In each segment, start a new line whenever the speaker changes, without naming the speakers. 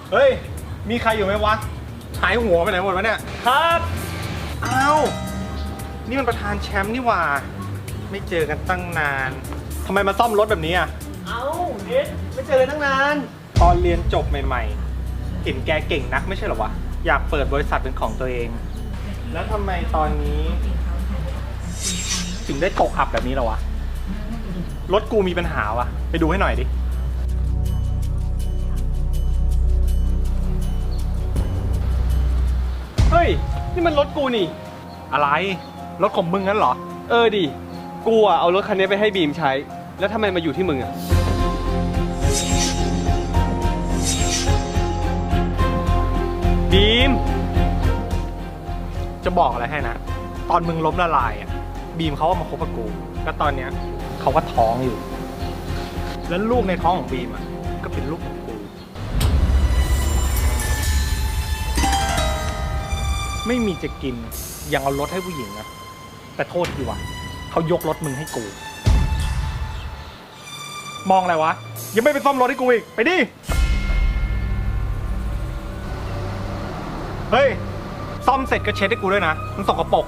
เฮ้ยมีใครอยู่ไหมวะหายหัวไปไหนหมดวะเนี่ยครับอ้าวนี่มันประธานแชมป์นี่หว่าไม่เจอกันตั้งนานทำไมมาซ่อมรถแบบนี้อ่ะ
เอ้าเน็ตไม่เจอเลยตั้งนาน
ตอนเรียนจบใหม่ๆเห็นแกเก่งนักไม่ใช่เหรอวะอยากเปิดบริษัทเป็นของตัวเองแล้วทำไมตอนนี้ถึงได้ตกอับแบบนี้ล่ะวะรถกูมีปัญหาวะไปดูให้หน่อยดิ
เฮ้ยนี่มันรถกูนี่
อะไรรถของมึงงั้นเหรอ
ดิกูอะเอารถคันนี้ไปให้บีมใช้แล้วทำไมมาอยู่ที่มึงอะบีม
จะบอกอะไรให้นะตอนมึงล้มละลายอ่ะบีมเขามาคบกับกูแล้วตอนเนี้ยเขาก็ท้องอยู่ แล้วลูกในท้องของบีมอ่ะก็เป็นลูกของกูไม่มีจะกินยังเอารถให้ผู้หญิงนะแต่โทษทีวะเขายกรถมึงให้กูมองอะไรวะยังไม่ไปซ่อมรถให้กูอีกไปดิเฮ้ยซ่อมเสร็จก็เช็ดให้กูด้วยนะมันสกปรก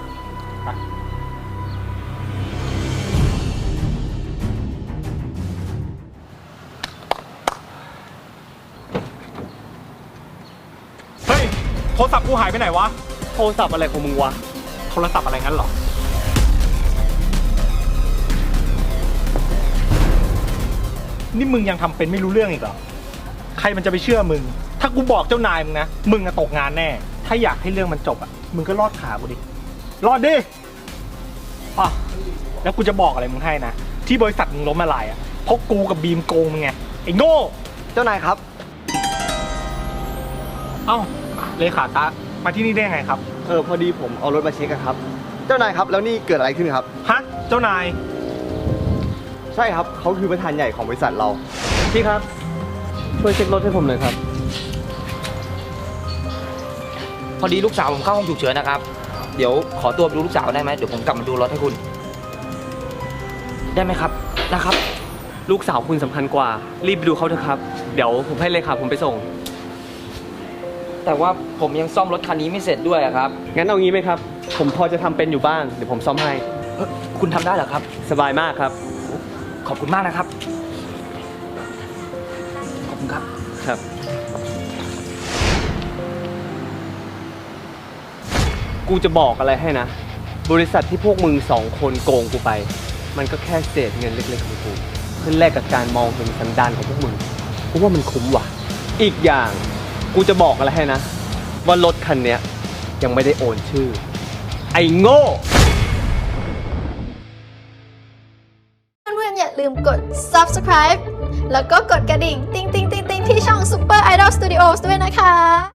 เฮ้ยโทรศัพท์กูหายไปไหนวะ
โทรศัพท์อะไรของมึงวะ
โทรศัพท์อะไรงั้นเหรอนี่มึงยังทำเป็นไม่รู้เรื่องอีกเหรอใครมันจะไปเชื่อมึงถ้ากูบอกเจ้านายมึงนะมึงจะตกงานแน่ถ้าอยากให้เรื่องมันจบอ่ะมึงก็รอดขากูดิรอดดิอ่ะแล้วกูจะบอกอะไรมึงให้นะที่บริษัทมึงล้มละลายอ่ะเพราะกูกับบีมโกงมึงไงไอ้โง่
เจ้านายครับ
เอ้าเลขาตามาที่นี่ได้ไงครับ
พอดีผมเอารถมาเช็คครับเจ้านายครับแล้วนี่เกิดอะไรขึ้นครับ
ฮะเจ้านาย
ใช่ครับเขาคือประธานใหญ่ของบริษัทเราพี่ครับช่วยเช็ครถให้ผมหน่อยครับ
พอดีลูกสาวผมเข้าห้องฉุกเฉินนะครับเดี๋ยวขอตัวไปดูลูกสาวได้ไหมเดี๋ยวผมกลับมาดูรถให้คุณได้ไหมครับนะครับ
ลูกสาวคุณสำคัญกว่ารีบไปดูเขาเถอะครับเดี๋ยวผมให้เลยครับผมไปส่ง
แต่ว่าผมยังซ่อมรถคันนี้ไม่เสร็จด้วยครับ
งั้นเอางี้ไหมครับผมพอจะทำเป็นอยู่บ้างเดี๋ยวผมซ่อมให้
คุณทำได้เหรอครับ
สบายมากครับ
ขอบคุณมากนะครับขอบคุณครับ
ครับกูจะบอกอะไรให้นะบริษัทที่พวกมึง2 คนโกงกูไปมันก็แค่เศษเงินเล็กๆของกูเพื่อแลกกับการมองเห็นสันดานของพวกมึงกูว่ามันคุ้มว่ะอีกอย่างกูจะบอกอะไรให้นะว่ารถคันนี้ยังไม่ได้โอนชื่อไอ้โง่
เพื่อนๆอย่าลืมกด subscribe แล้วก็กดกระดิ่งติ๊งๆๆๆที่ช่อง Super Idol Studios ด้วยนะคะ